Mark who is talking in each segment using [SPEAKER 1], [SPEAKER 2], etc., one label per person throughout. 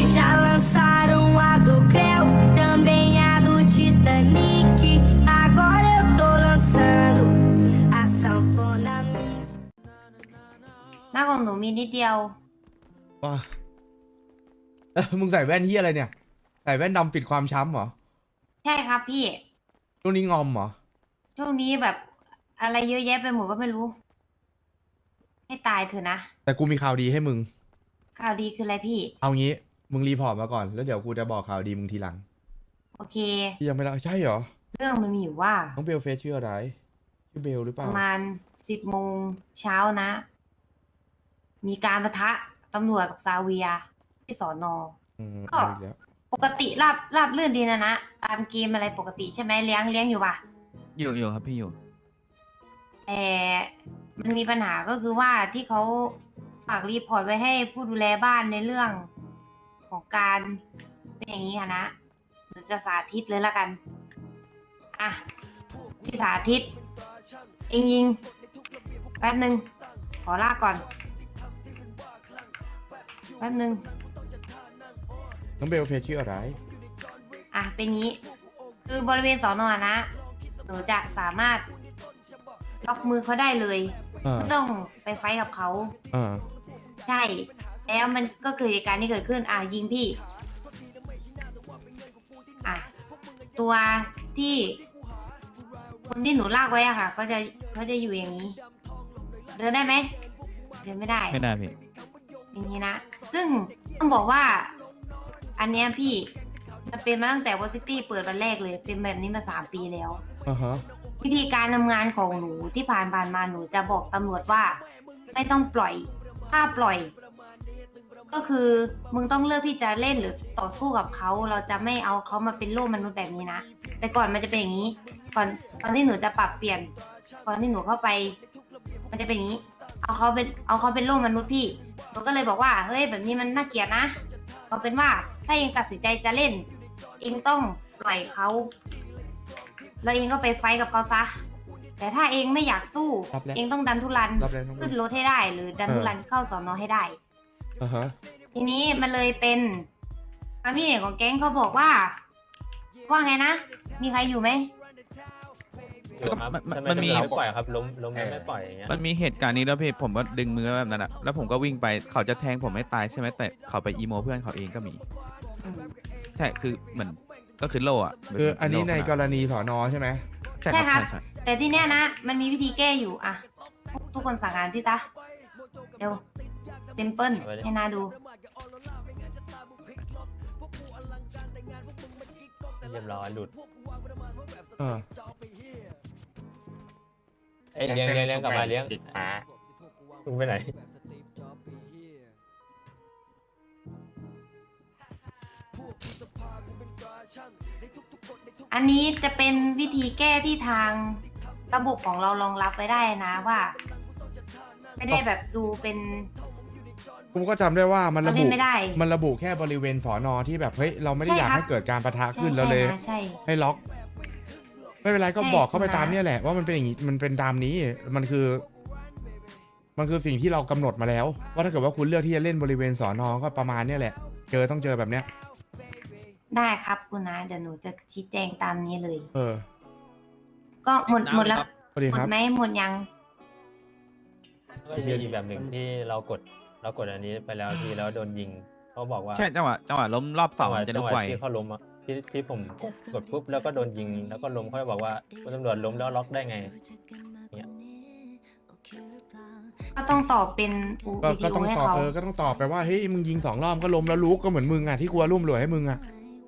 [SPEAKER 1] Já lançaram a do Creu, também a do Titanic. Agora eu tô lançando a sanfona mix.
[SPEAKER 2] หน้าของหนูมีนิดเดียว
[SPEAKER 3] ว้ามึงใส่แว่นเฮียอะไรเนี่ย ใส่แว่นดำปิดความช้ำเหรอ
[SPEAKER 2] ใช่ครับพี่
[SPEAKER 3] ช่วงนี้งอมเหรอ
[SPEAKER 2] ช่วงนี้แบบอะไรเยอะแยะไปหมดก็ไม่รู้ ให้ตายเถอะนะ
[SPEAKER 3] แต่กูมีข่าวดีให้มึง
[SPEAKER 2] ข่าวดีคืออะไรพี่
[SPEAKER 3] เอางี้ มึงรีพอร์ตมาก่อน แล้วเดี๋ยวกูจะบอกข่าวดีมึงทีหลัง
[SPEAKER 2] โอเค
[SPEAKER 3] พี่ยังไม่เล่าใช่เหรอ
[SPEAKER 2] เรื่องมันมีอยู่ว่า
[SPEAKER 3] น้องเบลเฟสชื่ออะไร ชื่อเบลหรือเป
[SPEAKER 2] ป
[SPEAKER 3] ล่า
[SPEAKER 2] ระมาณ10 โมงเช้านะ มีการปะทะตำรวจกับซาเวียที่สอนอ ก็
[SPEAKER 3] เอาอีกแล้ว
[SPEAKER 2] ปกติราบลื่นดีนะตามเกมอะไรปกติใช่ไหมเลี้ยงอยู่ป่ะ
[SPEAKER 4] อยู่ครับพี่อยู่
[SPEAKER 2] แต่มันมีปัญหาก็คือว่าที่เขาฝากรีพอร์ตไว้ให้ผู้ดูแลบ้านในเรื่องของการเป็นอย่างนี้ค่ะนะหรือจะสาธิตเลยละกัน อ่ะพี่สาธิต เองยิง แป๊บหนึ่งขอลากก่อน แป๊บหนึ่ง
[SPEAKER 3] น้องเบลเฟสชื่ออะไร
[SPEAKER 2] อ่ะเป็นงี้ คือบริเวณสอนอนะ หนูจะสามารถล็อกมือเขาได้เลย ไม่ต้องไปไฟท์กับเขา ใช่ แล้วมันก็เกิดเหตุการณ์ที่เกิดขึ้น อ่ะยิงพี่ อ่ะ ตัวที่คนที่หนูลากไว้อะค่ะเขาจะอยู่อย่างนี้ เดินได้ไหม เดินไม่ได้
[SPEAKER 4] ไม่ได้พี่
[SPEAKER 2] อย่างนี้นะ ซึ่งต้องบอกว่า อันเนี้ยพี่มันเป็นมาตั้งแต่วอซิตี้เปิดวันแรกเลย เป็นแบบนี้มา3 ปีแล้ว
[SPEAKER 3] อ่าฮะ
[SPEAKER 2] วิธีการทำงานของหนูที่ผ่านมาหนูจะบอกตำรวจว่า ไม่ต้องปล่อย ถ้าปล่อย ก็คือมึงต้องเลือกที่จะเล่นหรือต่อสู้กับเขา เราจะไม่เอาเขามาเป็นโล่มนุษย์แบบนี้นะ แต่ก่อนมันจะเป็นอย่างนี้ ก่อนที่หนูจะปรับเปลี่ยน ก่อนที่หนูเข้าไป มันจะเป็นอย่างนี้ เอาเขาเป็นโล่มนุษย์พี่หนูก็เลยบอกว่าเฮ้ยแบบนี้มันน่าเกลียดนะเอาเป็นว่าถ้าเองตัดสินใจจะเล่น เองต้องปล่อยเขาแล้วเองก็ไปไฟท์กับเขาซะ แต่ถ้าเองไม่อยากสู้
[SPEAKER 3] รับแล้ว
[SPEAKER 2] เองต้องดันทุรัน
[SPEAKER 3] รับแล้วน้องเบล
[SPEAKER 2] ขึ้นรถให้ได้ หรือดันทุรันเข้าสอนอให้ได้
[SPEAKER 3] อ่าฮะ
[SPEAKER 2] ทีนี้มันเลยเป็นพี่เอกของแก๊งเขาบอกว่าไงนะ มีใครอยู่ไหม
[SPEAKER 5] อยู่ครับ
[SPEAKER 4] มันมี
[SPEAKER 5] ทำไไม่ปล่อยครับล้มแล้วไม่ปล่อยอย่างเงี้ย
[SPEAKER 4] มันมีเหตุการณ์นี้แล้วพี่ผมก็ดึงมือแบบนั้นอะแล้วผมก็วิ่งไปเขาจะแทงผมไม่ตายใช่ไหมแต่เขาไปอีโมเพื่อนเขาเองก็มี ใช่คือเหมือนก็คือโล่อะ
[SPEAKER 3] คืออันนี้ในก
[SPEAKER 4] ร
[SPEAKER 3] รณีสอนอใช่ไหม
[SPEAKER 4] ใช่
[SPEAKER 2] ใช่
[SPEAKER 4] ค
[SPEAKER 2] ครั
[SPEAKER 4] รับ บใช่
[SPEAKER 2] แต่ที่เนี้ยนะ มันมีวิธีแก้อยู่อะทุกคนสั่งงานพี่ซะเดี๋ยวเซมเปิลให้นาดู
[SPEAKER 5] เรียบร้อยหลุด
[SPEAKER 3] อ่า
[SPEAKER 5] เอ้ยเลี้ยงกลับมาเลี้ยง
[SPEAKER 6] ติดป้า
[SPEAKER 5] มึงไปไหน
[SPEAKER 2] อันนี้จะเป็นวิธีแก้ที่ทางระบบของเรารองรับไปได้นะว่า ไม่ได้แบบดูเป็น
[SPEAKER 3] กูก็จำได้ว่ามันระ
[SPEAKER 2] เราเล่
[SPEAKER 3] บุ
[SPEAKER 2] นไม่ได้
[SPEAKER 3] มันระบุแค่บริเวณสอนอที่แบบเฮ้ยเราไม่ได้
[SPEAKER 2] ใช่
[SPEAKER 3] อยาก
[SPEAKER 2] ครับ
[SPEAKER 3] ให้เกิดการประทะ
[SPEAKER 2] ใช่
[SPEAKER 3] ขึ้นเราเลย
[SPEAKER 2] นะใช่
[SPEAKER 3] ให้ล็อก ไม่เป็นไรก็
[SPEAKER 2] ใช่
[SPEAKER 3] บอกเข้าไป
[SPEAKER 2] คุณ
[SPEAKER 3] ตาม
[SPEAKER 2] น้า
[SPEAKER 3] เนี่ยแหละว่ามันเป็นอย่างนี้มันเป็นตามนี้มันคือสิ่งที่เรากำหนดมาแล้ว ว่าถ้าเกิดว่าคุณเลือกที่จะเล่นบริเวณสอนอก็ประมาณเนี่ยแหละต้องเจอแบบเนี้ย
[SPEAKER 2] ได้ครับคุณนะเดี๋ยวหนูจะชี้แจงตามนี้เลย ก็หมดแล้ว
[SPEAKER 3] สวัสดี
[SPEAKER 2] หม
[SPEAKER 3] ค
[SPEAKER 2] ด
[SPEAKER 3] รับ
[SPEAKER 2] ไหมหมดยัง
[SPEAKER 5] ก็มีอีกแบบหนึ่งที่เรากดอันนี้ไปแล้วทีแล้วโดนยิงเขาบอกว่า
[SPEAKER 4] ใช่จังหวะล้มรอบสองมันจะ
[SPEAKER 5] จั
[SPEAKER 4] ลุ
[SPEAKER 5] ง
[SPEAKER 4] ก
[SPEAKER 5] หวะ
[SPEAKER 4] ไว
[SPEAKER 5] ที่เขาล้มอะที่ผมกดปุ๊บแล้วก็โดนยิงแล้วก็ล้มเขาจะบอกว่าคุณตำรวจล้มแล้วล็อกได้ไงเนี่ย
[SPEAKER 2] ก็ต้องตอบเป็นวิ
[SPEAKER 3] ก็
[SPEAKER 2] ดีโอ
[SPEAKER 3] ต้อง
[SPEAKER 2] ให้
[SPEAKER 3] ตอบ
[SPEAKER 2] เขา
[SPEAKER 3] ก็ต้องตอบไปว่าเฮ้ยมึงยิง2 รอบก็ล้มแล้วลุกก็เหมือนมึงอ่ะที่กลัวร่วมรวยให้มึงอ่ะ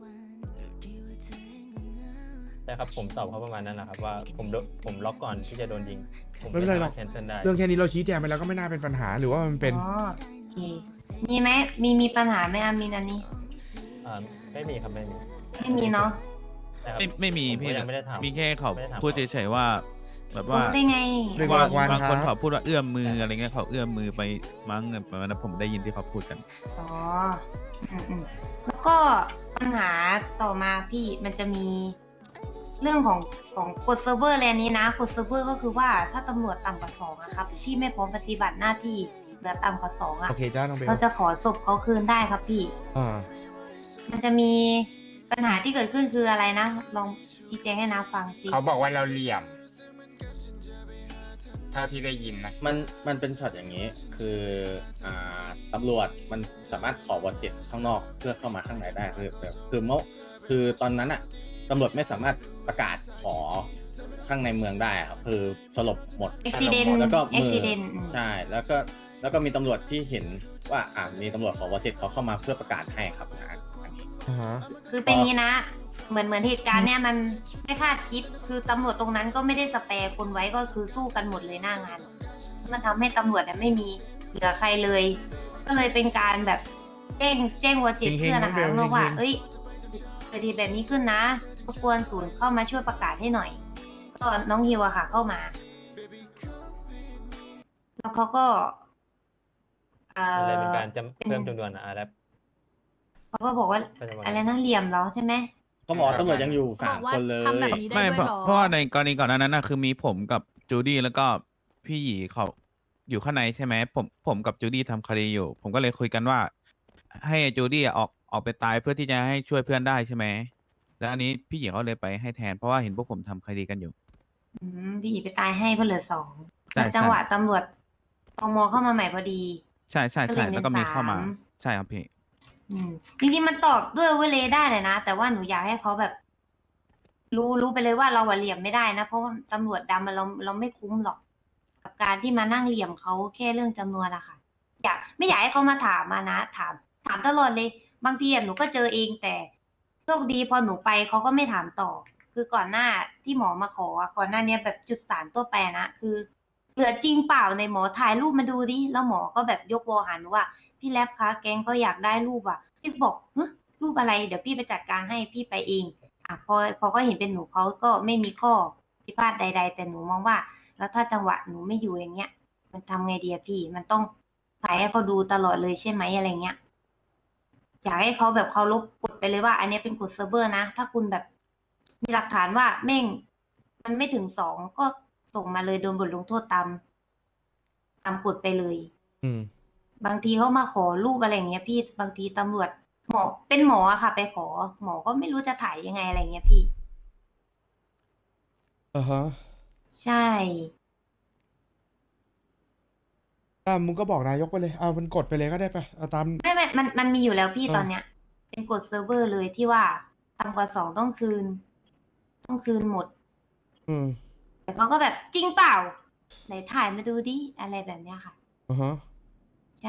[SPEAKER 5] ใช่ครับผมตอบเขาประมาณนั้นนะครับว่าผมล็อกก่อนที่จะโดนยิงผม
[SPEAKER 3] ไม่เป็นไรหรอก
[SPEAKER 5] แคนเซิลได้
[SPEAKER 3] เรื่องแค่นี้เราชี้แจงไปแล้วก็ไม่น่าเป็นปัญหาหรือว่ามันเป็น
[SPEAKER 2] อ๋อโอเคมีไหมมีปัญหาไหมอามินอันนี้
[SPEAKER 5] ไม่มีครับไม่มี
[SPEAKER 2] ไม่มีเนาะ
[SPEAKER 5] ใช่ครับ
[SPEAKER 4] ไม่มี
[SPEAKER 5] ผม
[SPEAKER 4] พี่
[SPEAKER 5] ก็ยังไม่ได้ถาม
[SPEAKER 4] มีแค่เขา
[SPEAKER 5] ไม่ได้ถาม
[SPEAKER 4] พูดเฉยๆว่า แบบว่า
[SPEAKER 2] รู้ได้ไง
[SPEAKER 3] เรียก
[SPEAKER 4] ว่า
[SPEAKER 3] ว่า
[SPEAKER 4] บางคน
[SPEAKER 3] ครับ
[SPEAKER 4] เขาพูดว่าเอื้อมมืออะไรเงี้ยเขาเอื้อมมือไปมั้งประมาณนั้นผมได้ยินที่เขาพูดกัน
[SPEAKER 2] อ๋ออืมแล้วก็ปัญหาต่อมาพี่มันจะมีเรื่องของกฎเซิร์ฟเวอร์แลนนี้นะกฎเซิร์ฟเวอร์ก็คือว่าถ้าตำรวจต่ำกว่า2อะครับที่ไม่พร้อมปฏิบัติหน้าที่เหลือต่ำกว่า2อะ
[SPEAKER 3] โอเคจ้าน้องเบล
[SPEAKER 2] เราจะขอศพเขาคืนได้ครับพี่
[SPEAKER 3] อ่า
[SPEAKER 2] มันจะมีปัญหาที่เกิดขึ้นคืออะไรนะ ลองชี้แจงให้นาฟังสิ
[SPEAKER 6] เขาบอกว่าเราเหลี่ยม เท่าที่ได้ยินนะ
[SPEAKER 7] มันเป็นช็อตอย่างนี้ คืออ่ตำรวจมันสามารถขอวอเจ็ตข้างนอกเพื่อเข้ามาข้างในได้คือตอนนั้นอะตำรวจไม่สามารถประกาศขอข้างในเมืองได้ครับคือสลบหมด
[SPEAKER 2] accident
[SPEAKER 7] แล้วก็มือ
[SPEAKER 2] accident
[SPEAKER 7] ใช่แล้วก็มีตำรวจที่เห็นว่ามีตำรวจขอวอเจ็ตเขาเข้ามาเพื่อประกาศให้ครับนะอันนี้
[SPEAKER 3] อ่าฮะ
[SPEAKER 2] คือเป็นงี้นะ เหมือนเหตุการณ์เนี่ยมันไม่คาดคิด คือตำรวจตรงนั้นก็ไม่ได้สแปร์คนไว้ก็คือสู้กันหมดเลยหน้างาน มันทำให้ตำรวจเนี่ยไม่มีเหลือใครเลย ก็เลยเป็นการแบบแจ้งวอจิต
[SPEAKER 3] เฮงๆ
[SPEAKER 2] เพื่อน
[SPEAKER 3] น้
[SPEAKER 2] นะ
[SPEAKER 3] องเบ
[SPEAKER 2] คะ
[SPEAKER 3] ล
[SPEAKER 2] บอกว่า
[SPEAKER 3] เฮงๆ
[SPEAKER 2] เอ้ยเกิดเหตุแบบนี้ขึ้นนะรบกวนศูนย์เข้ามาช่วยประกาศให้หน่อย ก็น้องฮิวอะค่ะ เข้ามา แล้วเขาก็
[SPEAKER 5] มันเลยเป็นการจะ
[SPEAKER 2] เป็น
[SPEAKER 5] เพิ่มจำนวนแรป
[SPEAKER 2] เขาก็บอกว่า
[SPEAKER 5] ประจำวัน
[SPEAKER 2] อะไรนะเหลี่ยมเหรอใช่ไหม
[SPEAKER 7] เขาบอกว่าตำรวจยังอยู่
[SPEAKER 8] เขาบอกว่า
[SPEAKER 7] 3 คนเลย
[SPEAKER 8] ทำแบบนี้ ได้
[SPEAKER 4] ไม่
[SPEAKER 8] ด้วยเหรอ
[SPEAKER 4] เพราะว่าในกรณีก่อนหน้านั้นนะคือมีผมกับจูดี้แล้วก็พี่หยีเขาอยู่ข้างในใช่ไหมผมกับจูดี้ทำคดีอยู่ ผมก็เลยคุยกันว่า ให้จูดี้ออกไปตายเพื่อที่จะให้ช่วยเพื่อนได้ใช่ไหมแล้วอันนี้พี่หยีเขาเลยไปให้แทนเพราะว่าเห็นพวกผมทำคดีกันอยู่
[SPEAKER 2] พี่หยีไปตายให้เพราะเหลือสอง
[SPEAKER 4] ใช่
[SPEAKER 2] แล้วจังหวะตำรวจตมเข้ามาใหม่พอดี
[SPEAKER 4] ใช่ใช่
[SPEAKER 2] ก็เล
[SPEAKER 4] ใช่
[SPEAKER 2] ยเป็น
[SPEAKER 4] แล้วก็มีเข้ามา
[SPEAKER 2] สาม
[SPEAKER 4] ใช่ครับพี่
[SPEAKER 2] จริงๆมันตอบด้วยเวเลได้เลยนะ แต่ว่าหนูอยากให้เขาแบบ รู้ไปเลยว่าเราอะเหลี่ยมไม่ได้นะ เพราะว่าตำรวจดำมันเราไม่คุ้มหรอก กับการที่มานั่งเหลี่ยมเขาแค่เรื่องจำนวนอะค่ะ ไม่อยากให้เขามาถามมานะถามตลอดเลย บางทีอะหนูก็เจอเองแต่โชคดีพอหนูไปเขาก็ไม่ถามต่อ คือก่อนหน้าที่หมอมาขออะก่อนหน้าเนี้ยแบบจุดสารตัวแปรนะคือ เหลือจริงเปล่าในหมอถ่ายรูปมาดูดิแล้วหมอก็แบบยกวอหาหนูว่าพี่แรปคะแกงก็อยากได้รูปอ่ะพี่ก็บอกเฮ้ยรูปอะไรเดี๋ยวพี่ไปจัดการให้พี่ไปเองพอก็เห็นเป็นหนูเขาก็ไม่มีข้อพิพาทใด ๆ แต่หนูมองว่า แล้วถ้าจังหวะหนูไม่อยู่อย่างเงี้ย มันทำไงดีอะพี่ มันต้องถ่ายให้เขาดูตลอดเลยใช่ไหมอะไรเงี้ยอยากให้เขาแบบเขาลบกฎไปเลยว่า อันนี้เป็นกฎเซิร์ฟเวอร์นะถ้าคุณแบบมีหลักฐานว่าแม่ง มันไม่ถึง2ก็ส่งมาเลยโดนบทลงโทษตามกฎไปเลย
[SPEAKER 3] อืม
[SPEAKER 2] บางทีเขามาขอรูปอะไรอย่างเงี้ยพี่บางทีตำรวจหมอเป็นหมออะค่ะ ไปขอ หมอก็ไม่รู้จะถ่ายยังไงอะไรเงี้ยพี่
[SPEAKER 3] อ่าฮะ
[SPEAKER 2] ใช่
[SPEAKER 3] มึงก็บอกนายกไปเลยเอามันกดไปเลยก็ได้ปะเอาตาม
[SPEAKER 2] ไม่มันมีอยู่แล้วพี่
[SPEAKER 3] เออ
[SPEAKER 2] ตอนเนี้ย เป็นกฎเซิร์ฟเวอร์เลยที่ว่าต่ำกว่า2ต้องคืนหมด
[SPEAKER 3] อืม
[SPEAKER 2] แต่เขาก็แบบจริงเปล่าไหนถ่ายมาดูดิอะไรแบบเนี้ยค่ะ
[SPEAKER 3] อ่าฮะ
[SPEAKER 2] ใช่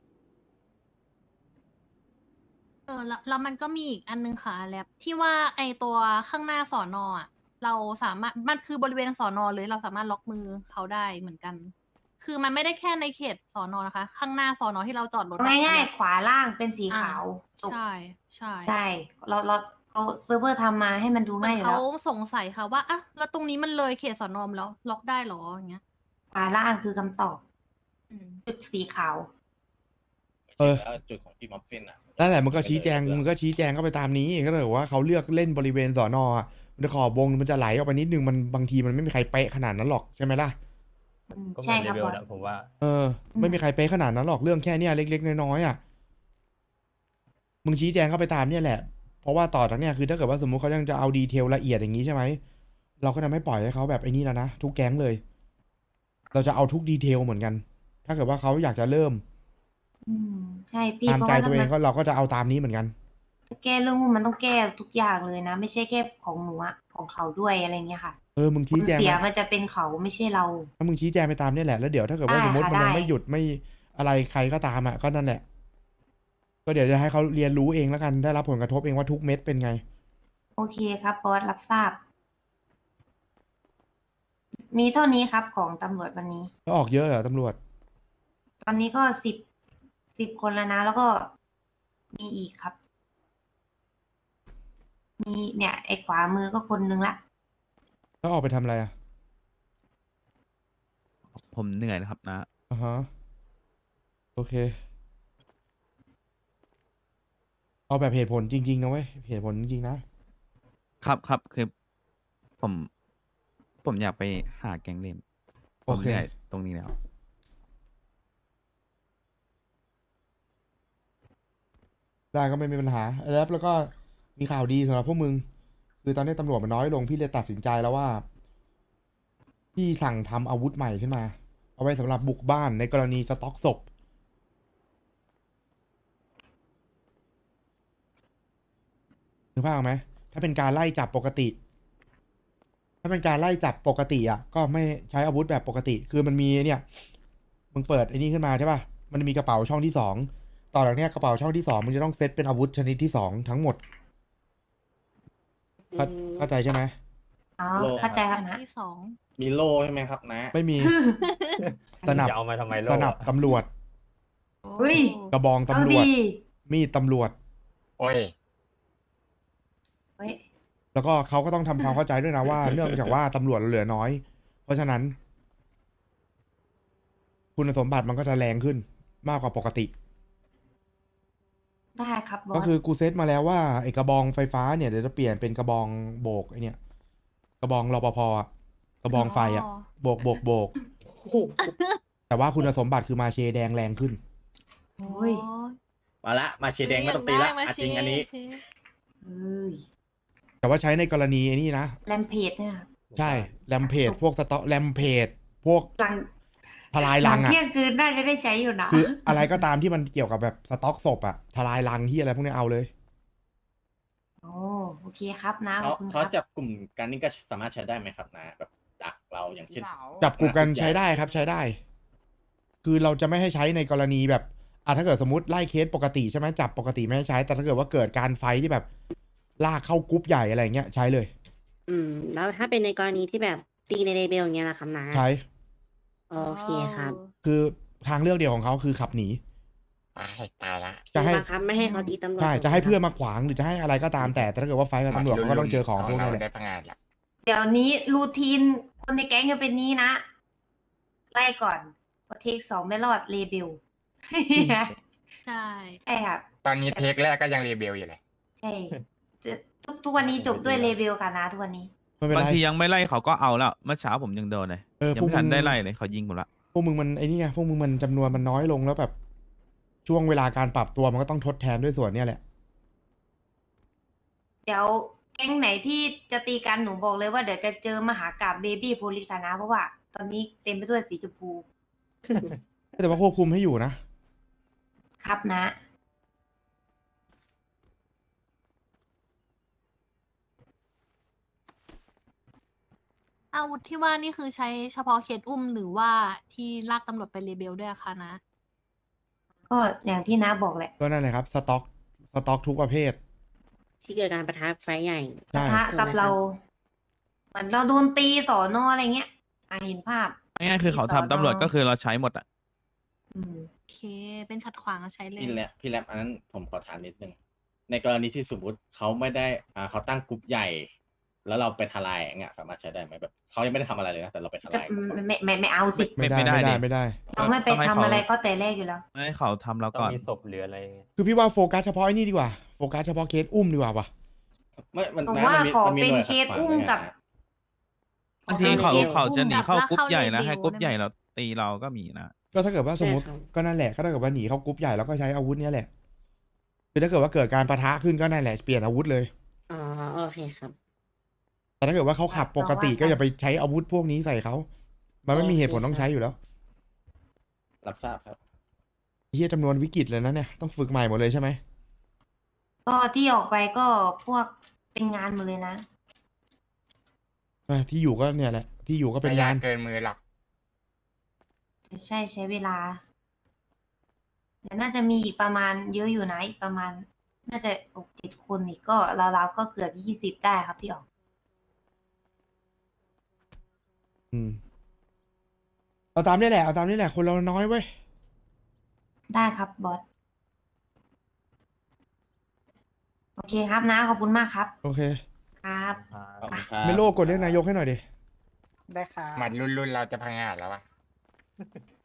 [SPEAKER 8] แล้วมันก็มีอีกอันนึงค่ะแลบที่ว่าไอตัวข้างหน้าสอนอ่ะ เราสามารถมันคือบริเวณสอนอเลยเราสามารถล็อกมือเขาได้เหมือนกัน คือมันไม่ได้แค่ในเขตสอนอนะคะ ข้างหน้าสอนอที่เราจอดรถอะ
[SPEAKER 2] ง่ายๆ ขวาล่างเป็นสีขาวจบ
[SPEAKER 8] ใช่ใช่
[SPEAKER 2] ใช่เราเขาเซิร์ฟเวอร์ทำมาให้มันดู
[SPEAKER 8] เหมือ
[SPEAKER 2] ง่าย
[SPEAKER 8] น
[SPEAKER 2] อยู่
[SPEAKER 8] เขา
[SPEAKER 2] แล้ว
[SPEAKER 8] สงสัยค่ะว่าอ่ะแล้วตรงนี้มันเลยเขตสอนอมแล้วล็อกได้เหรออย่างเงี้ย
[SPEAKER 2] ขวาล่างคือคำตอบ
[SPEAKER 8] อืม
[SPEAKER 2] จุดสีขาว
[SPEAKER 3] เออ
[SPEAKER 7] แล้วจุดของพี่มัฟฟินอ่ะ
[SPEAKER 3] นั่นแหละมึงก็ชี้แจงก็ไปตามนี้ก็เลยว่าเขาเลือกเล่นบริเวณสอนอะมันจะขอบวงมันจะไหลออกไปนิดนึงมันบางทีมันไม่มีใครเป๊ะขนาดนั้นหรอกใช่ไหมล่ะ
[SPEAKER 5] ก็เห
[SPEAKER 2] ใช่
[SPEAKER 5] มือน
[SPEAKER 2] ค
[SPEAKER 5] เล
[SPEAKER 2] รับ
[SPEAKER 5] เวล
[SPEAKER 2] บอส
[SPEAKER 5] นะผมว่า
[SPEAKER 3] เออ ไม่มีใครเป๊ะขนาดนั้นหรอกเรื่องแค่เนี้ยเล็กๆน้อยๆอ่ะมึงชี้แจงเข้าไปตามเนี่ยแหละ เพราะว่าต่อจากเนี้ยคือถ้าเกิดว่าสมมุติเขายังจะเอาดีเทลละเอียดอย่างนี้ใช่ไหมเราก็จะไม่ปล่อยให้เขาแบบไอ้นี่แล้วนะทุกแก๊งเลย เราจะเอาทุกดีเทลเหมือนกัน ถ้าเกิดว่าเขาอยากจะเริ่ม
[SPEAKER 2] ใช่พี่
[SPEAKER 3] ตาม
[SPEAKER 2] เพราะ
[SPEAKER 3] ใจ
[SPEAKER 2] ว่า
[SPEAKER 3] ตัวเองก็เราก็จะเอาตามนี้เหมือนกัน
[SPEAKER 2] แก้เรื่องหุ้นมันต้องแก้ทุกอย่างเลยนะ ไม่ใช่แค่ของหนูอะของเขาด้วยอะไรเงี้ยค่ะ
[SPEAKER 3] มึง
[SPEAKER 2] ผ
[SPEAKER 3] ชี้
[SPEAKER 2] ล
[SPEAKER 3] แจง
[SPEAKER 2] เสีย
[SPEAKER 3] มา
[SPEAKER 2] มันจะเป็นเขาไม่ใช่เรา
[SPEAKER 3] ถ้ามึงชี้แจงไปตามเนี่ยแหละแล้วเดี๋ยวถ้าเกิดว่า
[SPEAKER 2] ได้
[SPEAKER 3] สมมติ
[SPEAKER 2] ค่ะ
[SPEAKER 3] มันยัง
[SPEAKER 2] ได้
[SPEAKER 3] ไม่หยุดไม่อะไรใครก็ตามอ่ะก็นั่นแหละ ก็เดี๋ยวจะให้เขาเรียนรู้เองแล้วกันได้รับผลกระทบเองว่าทุกเม็ดเป็นไง
[SPEAKER 2] โอเคครับบอสรับทราบ มีเท่านี้ครับของตำรวจวันนี้
[SPEAKER 3] แล้วออกเยอะเหรอตำรวจ
[SPEAKER 2] ตอนนี้ก็10 คนแล้วนะ แล้วก็มีอีกครับ มีเนี่ย ไอ้ขวามือก็คนนึงละ
[SPEAKER 3] แล้วออกไปทำอะไรอ่ะ
[SPEAKER 4] ผมเหนื่อยนะครับนะ
[SPEAKER 3] อ่าฮะโอเค เอาแบบเหตุผลจริงๆนะเว้ยเหตุผลจริงๆนะครับ
[SPEAKER 4] คือผมอยากไปหาแกงเล่นผ
[SPEAKER 3] โอ
[SPEAKER 4] ม
[SPEAKER 3] เค
[SPEAKER 4] เหนื่อยตรงนี้แล้ว
[SPEAKER 3] แได้ก็ไม่มีปัญหาแล้วก็มีข่าวดีสำหรับพวกมึง คือตอนนี้ตำรวจมันน้อยลงพี่เลยตัดสินใจแล้วว่า พี่สั่งทำอาวุธใหม่ขึ้นมา เอาไว้สำหรับบุกบ้านในกรณีสต็อกศพนึกภาพออกไหมถ้าเป็นการไล่จับปกติ ถ้าเป็นการไล่จับปกติอ่ะก็ไม่ใช้อาวุธแบบปกติ คือมันมีเนี่ย มึงเปิดไอ้นี่ขึ้นมาใช่ป่ะ มันมีกระเป๋าช่องที่สองต่อจากเนี้ยกระเป๋าช่องที่สองมึงจะต้องเซตเป็นอาวุธชนิดที่สองทั้งหมด เข้าใจใช่ไหม
[SPEAKER 2] อ๋อ
[SPEAKER 7] โล
[SPEAKER 2] เข้าใจครับนะ
[SPEAKER 8] ที่สอง
[SPEAKER 7] มีโล่ใช่ไหมครับนะ
[SPEAKER 3] ไม่มี สนับ
[SPEAKER 5] จะเอามาทำไมโล
[SPEAKER 3] สนับ
[SPEAKER 5] อะ
[SPEAKER 3] ตำรวจ
[SPEAKER 2] เฮ้ย
[SPEAKER 3] กระบอง
[SPEAKER 2] เอา
[SPEAKER 3] ตำรวจ
[SPEAKER 2] ดี
[SPEAKER 3] มีดตำรวจ
[SPEAKER 6] โอ้ย
[SPEAKER 2] เฮ้ย
[SPEAKER 3] แล้วก็เขาก็ต้องทำความเข้าใจด้วยนะว่า เนื่องจากว่าตำรวจเหลือน้อย เพราะฉะนั้น คุณสมบัติมันก็จะแรงขึ้นมากกว่าปกติ
[SPEAKER 2] ได้ครับบอ
[SPEAKER 3] ก็
[SPEAKER 2] ส
[SPEAKER 3] คือกูเซตมาแล้วว่าไอ้กระบองไฟฟ้าเนี่ยเดี๋ยวจะเปลี่ยนเป็นกระบองโบกไอ้เนี่ยกระบองรปภอะกระบองไฟอะโบกแต่ว่าคุณสมบัติคือมาเชแดงแรงขึ้น
[SPEAKER 2] โอ้ย
[SPEAKER 7] มาละมาเชยร์แดงไม่ต้องตีละอ่ะจริงอันนี้
[SPEAKER 2] เอ้ย
[SPEAKER 3] แต่ว่าใช้ในกรณีไอ้นี่นะ
[SPEAKER 2] แรมเพจเนี่ยครับ
[SPEAKER 3] ใช่แรมเพจพวกสต็อกแรมเพจพวก
[SPEAKER 2] หลัง
[SPEAKER 3] ทลาย
[SPEAKER 2] หลั
[SPEAKER 3] รั
[SPEAKER 2] ง
[SPEAKER 3] งอะ
[SPEAKER 2] เที่ยงคืนน่าจะได้ใช้อยู่นะ
[SPEAKER 3] คืออะไรก็ตามที่มันเกี่ยวกับแบบสต็อกศพอะทลายรังที่อะไรพวกนี้เอาเลย
[SPEAKER 2] โอ้โอเคครับนะข
[SPEAKER 7] เขา
[SPEAKER 2] อบคุณค
[SPEAKER 7] เขา
[SPEAKER 2] รับ
[SPEAKER 7] จับกลุ่มกันนี่ก็สามารถใช้ได้ไหมครับนะแบบดักเราอย่างเช่น
[SPEAKER 3] จับกลุ่มกันใช้ได้ครับใช้ได้ คือเราจะไม่ให้ใช้ในกรณีแบบถ้าเกิดสมมติไล่เคสปกติใช่ไหมจับปกติไม่ให้ใช้ แต่ถ้าเกิดว่าเกิดการไฟท์ที่แบบลากเข้ากรุ๊ปใหญ่อะไรเงี้ยใช้เลย
[SPEAKER 9] แล้วถ้าเป็นในกรณีที่แบบตีในเลเบลอย่างเงี้ยล่ะครับนะ
[SPEAKER 3] ใช้
[SPEAKER 9] โอเคครับ
[SPEAKER 3] คือทางเลือกเดียวของเขาคือขับหนี
[SPEAKER 6] ตายตายละ
[SPEAKER 3] จะให้
[SPEAKER 9] บังคับไม่ให้เขาตีตำรวจ
[SPEAKER 3] ใช่จะให้เพื่อนมาขวางหรือจะให้อะไรก็ตามแต่ถ้าเกิดว่าไฟท์กับตำรวจเขาก็ต้องเจอของพวกนี้แหละ
[SPEAKER 6] ได้พังงานละ
[SPEAKER 2] เดี๋ยวนี้รูทีนคนในแก๊งจะเป็นนี้นะ ไล่ก่อนพอเทคสองไม่รอดเลเบล
[SPEAKER 8] ใช่
[SPEAKER 2] ใช่ครับ
[SPEAKER 6] ตอนนี้เทคแรกก็ยังรีเบลอยู่เลย
[SPEAKER 2] ใช่ทุกวันนี้จบด้วยเลเบลค่ะนะทุกวันนี้
[SPEAKER 3] ไม่เป็น
[SPEAKER 4] บาง
[SPEAKER 3] ไร
[SPEAKER 4] ทียังไม่ไล่เขาก็เอาแล้วเมื่อเช้าผมยังโดนเลย
[SPEAKER 3] พ
[SPEAKER 4] ยัง
[SPEAKER 3] วก
[SPEAKER 4] ไม่ทัน
[SPEAKER 3] มึง
[SPEAKER 4] ได้ไล่เลยเขายิงผมละ
[SPEAKER 3] พวกมึงมันไอ้นี่ไงพวกมึงมันจำนวนมันน้อยลงแล้วแบบ ช่วงเวลาการปรับตัวมันก็ต้องทดแทนด้วยส่วนเนี้ยแหละ
[SPEAKER 2] เดี๋ยวแก๊งไหนที่จะตีกันหนูบอกเลยว่าเดี๋ยวจะเจอมหากาบเบบี้โพลิสค่ะนะ เพราะว่า ตอนนี้เต็มไปด้วยสีชมพู
[SPEAKER 3] แต่ว่าควบคุมให้อยู่นะ
[SPEAKER 2] ครับนะ
[SPEAKER 8] อาวุธที่ว่านี่คือใช้เฉพาะเคสอุ้มหรือว่าที่ลากตำรวจไปเลเบลด้วยอะคะนะ
[SPEAKER 2] ก็อย่างที่น้าบอกแหละ
[SPEAKER 3] ก็นั่นแหละครับสต็อกทุกประเภท
[SPEAKER 9] ที่เกิดการประทะไฟใหญ่
[SPEAKER 3] ใช่
[SPEAKER 2] ปะทะกับเราเหมือนเราโดนตีสอนออะไรเงี้ยเห็นภาพ
[SPEAKER 4] ง่ายๆคือเขาทำตำรวจก็คือเราใช้หมดอ่ะ
[SPEAKER 2] อืม
[SPEAKER 8] โอเค เป็นขัดขวางก็ใช้เลย
[SPEAKER 7] พี่แรปอันนั้นผมขอถามนิดนึง ในกรณีที่สมมติเขาไม่ได้เขาตั้งกลุ่มใหญ่ แล้วเราไปทลายอย่างเงี้ยสามารถใช้ได้ไหมแบบเขายังไม่ได้ทำอะไรเลยนะแต่เราไปท
[SPEAKER 2] จะ
[SPEAKER 7] ลาย
[SPEAKER 2] ไม่เอาสิ
[SPEAKER 3] ไม่ได้
[SPEAKER 4] ไม่ได้
[SPEAKER 3] ไม่ได้
[SPEAKER 4] ดิ
[SPEAKER 3] ไม่ได้
[SPEAKER 2] เราไม่ไป
[SPEAKER 4] ต้องให้
[SPEAKER 2] ทำ
[SPEAKER 4] เขา
[SPEAKER 2] อะไรก็แต่แรกอยู่แล้ว
[SPEAKER 4] ไม่ให้เขาทำเรา
[SPEAKER 5] ต้อง
[SPEAKER 4] ก่อน
[SPEAKER 5] มีศพหรืออะไรเงี้ย
[SPEAKER 3] คือพี่ว่าโฟกัสเฉพาะไอ้นี่ดีกว่าโฟกัสเฉพาะเคสอุ้มดีกว่าปะ
[SPEAKER 7] ไม่มัน
[SPEAKER 2] ผม
[SPEAKER 7] นะ
[SPEAKER 2] ว่า
[SPEAKER 7] มี
[SPEAKER 2] ขอ
[SPEAKER 7] มี
[SPEAKER 2] เป็น
[SPEAKER 7] หน่วย
[SPEAKER 2] เคส
[SPEAKER 7] ขัดขวาง
[SPEAKER 2] อุ้ม
[SPEAKER 7] ด้วย
[SPEAKER 2] กับ
[SPEAKER 7] นะ
[SPEAKER 4] บางทีเขา
[SPEAKER 2] เคส
[SPEAKER 4] เขาจะหนีเข้ากรุ๊ปใหญ่แล้ว
[SPEAKER 8] กับ
[SPEAKER 4] ให้กรุ๊ป
[SPEAKER 8] เลเบล
[SPEAKER 4] ใหญ่เราตีเราก็มีนะ
[SPEAKER 3] ก็ถ้าเกิดว่าสมมติ
[SPEAKER 9] ใช่ครับ
[SPEAKER 3] ก็นั่นแหละก็ถ้าเกิดว่าหนีเข้ากรุ๊ปใหญ่แล้วก็ใช้อาวุธเนี้ยแหละคือถ้าเกิดว่าเกิดการปะทะขึ้นก็นั่นแหละเปลี่ยนอาวุธเลย
[SPEAKER 9] อ๋อโอเคครับ
[SPEAKER 3] แต่ถ้าเกิดว่าเขาขับปกติก็อย่าไปใช้อาวุธพวกนี้ใส่เขา มันไม่มีเหตุผลต้องใช้อยู่แล้ว
[SPEAKER 7] รับทราบครับ
[SPEAKER 3] เฮียจำนวนวิกฤตเลยนะเนี่ยต้องฝึกใหม่หมดเลยใช่ไหม
[SPEAKER 2] ก็ที่ออกไปก็พวกเป็นงานหมดเลยนะ
[SPEAKER 3] ที่อยู่ก็เนี่ยแหละ ที่อยู่ก็เป็น
[SPEAKER 6] ไม่ย
[SPEAKER 3] งาก น
[SPEAKER 6] เกินมือหรอก
[SPEAKER 2] ใช่ใช้เวลาเดี๋ยวน่าจะมีอีกประมาณเยอะอยู่นะอีกประมาณ น่าจะ6-7 คนอีกก็ราวๆก็เกือบ20ได้ครับที่ออก
[SPEAKER 3] เอาตามนี่แหละเอาตามนี่แหละคนเราน้อยเว้ย
[SPEAKER 2] ได้ครับบอส โอเคครับนะขอบคุณมากครับ
[SPEAKER 3] โอเค
[SPEAKER 2] ครับ
[SPEAKER 7] ขอบคุณครับ
[SPEAKER 3] เมโลกดเรียกนายกให้หน่อยดิ
[SPEAKER 6] หมัดรุ่นเราจะพังงานแล้ววะ